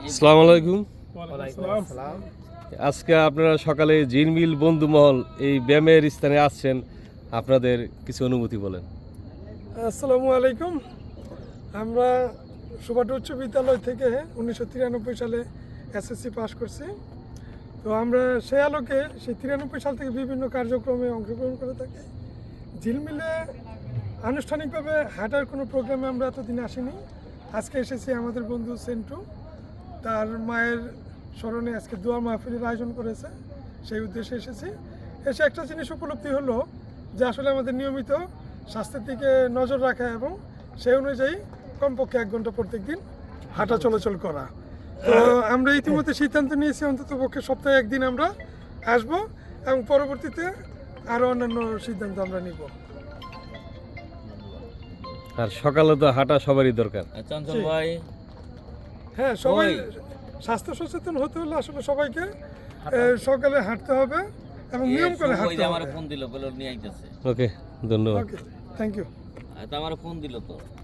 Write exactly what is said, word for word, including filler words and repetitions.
আসসালামু আলাইকুম। আজকে আপনারা সকালে ঝিলমিল বন্ধুমহল এই ব্যায়ামের স্থানে আসছেন, আপনাদের কিছু অনুভূতি বলেন। আসসালামু আলাইকুম। আমরা সুবাট উচ্চ বিদ্যালয় থেকে উনিশশো তিরানব্বই সালে এসএসসি পাস করছি। তো আমরা সেই আলোকে সেই তিরানব্বই সাল থেকে বিভিন্ন কার্যক্রমে অংশগ্রহণ করে থাকি। ঝিলমিলে আনুষ্ঠানিকভাবে হাঁটার কোনো প্রোগ্রামে আমরা এতদিন আসিনি। আজকে এসেছি আমাদের বন্ধু সেন্টু, তার মায়ের স্মরণে আজকে দোয়া মাহফিলের আয়োজন করেছে, সেই উদ্দেশ্যে এসেছি। এসে একটা জিনিস উপলব্ধি হলো যে আসলে আমাদের নিয়মিত স্বাস্থ্যের দিকে নজর রাখা এবং সেই অনুযায়ী কমপক্ষে এক ঘন্টা প্রত্যেক দিন হাঁটা চলাচল করা। তো আমরা ইতিমধ্যে সিদ্ধান্ত নিয়েছি অন্তত পক্ষে সপ্তাহে একদিন আমরা আসব এবং পরবর্তীতে আরও অন্যান্য সিদ্ধান্ত আমরা নিব। আর সকালে তো হাঁটা সবারই দরকার। চঞ্চল ভাই, হ্যাঁ, সবাই স্বাস্থ্য সচেতন হতে হলে আসলে সবাইকে এ, সকালে হাঁটতে হবে এবং নিয়ম করে হাঁটতে হবে। আমার ফোন দিল, বলে নিয়ে আইতেছে। ওকে, ধন্যবাদ। Okay, thank you. আমার ফোন দিল তো।